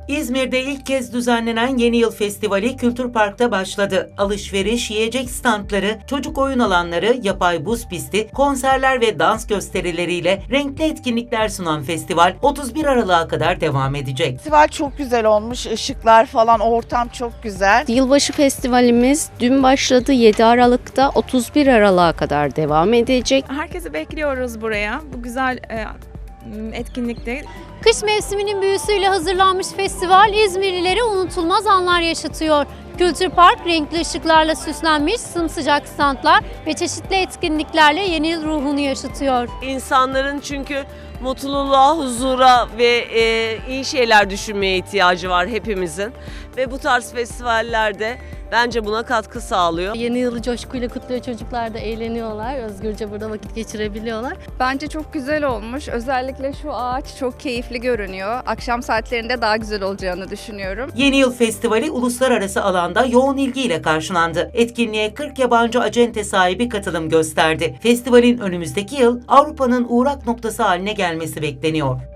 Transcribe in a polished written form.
İzmir'de ilk kez düzenlenen Yeni Yıl Festivali Kültür Park'ta başladı. Alışveriş, yiyecek standları, çocuk oyun alanları, yapay buz pisti, konserler ve dans gösterileriyle renkli etkinlikler sunan festival 31 Aralık'a kadar devam edecek. Festival çok güzel olmuş, ışıklar falan, ortam çok güzel. Yılbaşı festivalimiz dün başladı, 7 Aralık'ta 31 Aralık'a kadar devam edecek. Herkesi bekliyoruz buraya. Bu güzel etkinlikte. Kış mevsiminin büyüsüyle hazırlanmış festival İzmirlilere unutulmaz anlar yaşatıyor. Kültür Park renkli ışıklarla süslenmiş sımsıcak standlar ve çeşitli etkinliklerle yeni yıl ruhunu yaşatıyor. İnsanların çünkü mutluluğa, huzura ve iyi şeyler düşünmeye ihtiyacı var hepimizin. Ve bu tarz festivallerde bence buna katkı sağlıyor. Yeni yılı coşkuyla kutluyor, çocuklar da eğleniyorlar, özgürce burada vakit geçirebiliyorlar. Bence çok güzel olmuş. Özellikle şu ağaç çok keyifli görünüyor. Akşam saatlerinde daha güzel olacağını düşünüyorum. Yeni Yıl Festivali uluslararası alanda yoğun ilgiyle karşılandı. Etkinliğe 40 yabancı acente sahibi katılım gösterdi. Festivalin önümüzdeki yıl Avrupa'nın uğrak noktası haline gelmesi bekleniyor.